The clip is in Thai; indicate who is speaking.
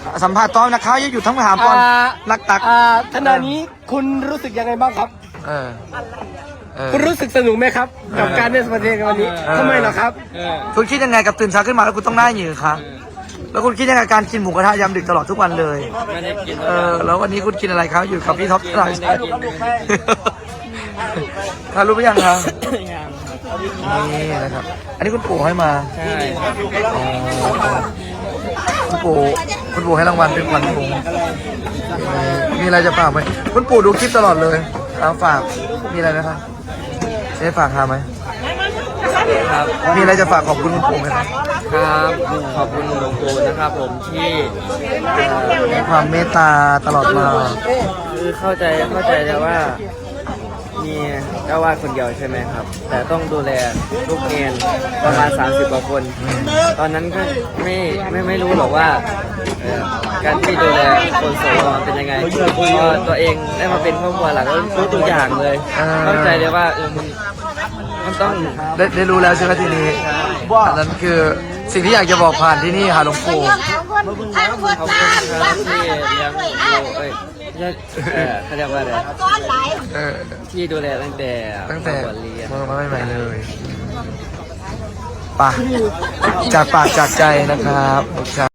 Speaker 1: สัมภาษณ์ต้อมนะครับอย่าหยุดทั้งถามก่อนรักตัก
Speaker 2: ขณะนี้คุณรู้สึกยังไงบ้างครับคุณรู้สึกสนุกไหมครับกับการเล่นประเทศกันวันนี้ทำไมเหรอครับ
Speaker 1: คุณคิดยังไงกับตื่นเช้าขึ้นมาแล้วคุณต้องหน้าหยือคะแล้วคุณคิดยังไงกับการกินหมูกระทะยามดึกตลอดทุกวันเลยแล้ววันนี้คุณกินอะไรครับอยู่กับพี่ท็อปตลอดใช่ทานรู้ไหมยังครับนี่นะครับอันนี้คุณปู่ให้มา
Speaker 2: ใช่
Speaker 1: คุณปู่ให้รางวัลเป็นขวัญถุงมีอะไรจะฝากไหมคุณปู่ดูคลิปตลอดเลยฝากมีอะไรไหมครับจะฝากทำไหม
Speaker 2: ครับ
Speaker 1: มีอะไรจะฝากขอบคุณคุณปู่ไหมครับ
Speaker 2: ขอบคุณหลวงปู่นะครับผมที่
Speaker 1: มีความเมตตาตลอดมา
Speaker 2: คือเข้าใจแล้วว่ามีเจ้าวาดคนเดียวใช่ไหมครับแต่ต้องดูแลลูกเนรประมาณ30 กว่าคนตอนนั้นก็ไม่รู้หรอกว่าการที่ดูแลคนโสดเป็นยังไงพอตัวเองได้มาเป็นครอบครัวหลังก็รู้ตัวอย่างเลยเข้าใจเลยว่ามันต้อง
Speaker 1: ได้รู้แล้วใช่ไหมทีนี้อันนั้นคือสิ่งที่อยากจะบอกผ่านที่นี่ค่ะหลวงปู่
Speaker 2: ขอบคุณครับที่เลี้ยงเขาเรียกว่าอะไรที่ดูแลตั้งแต่เรียน
Speaker 1: มาใหม่เลยป่ะจากปากจากใจนะครับ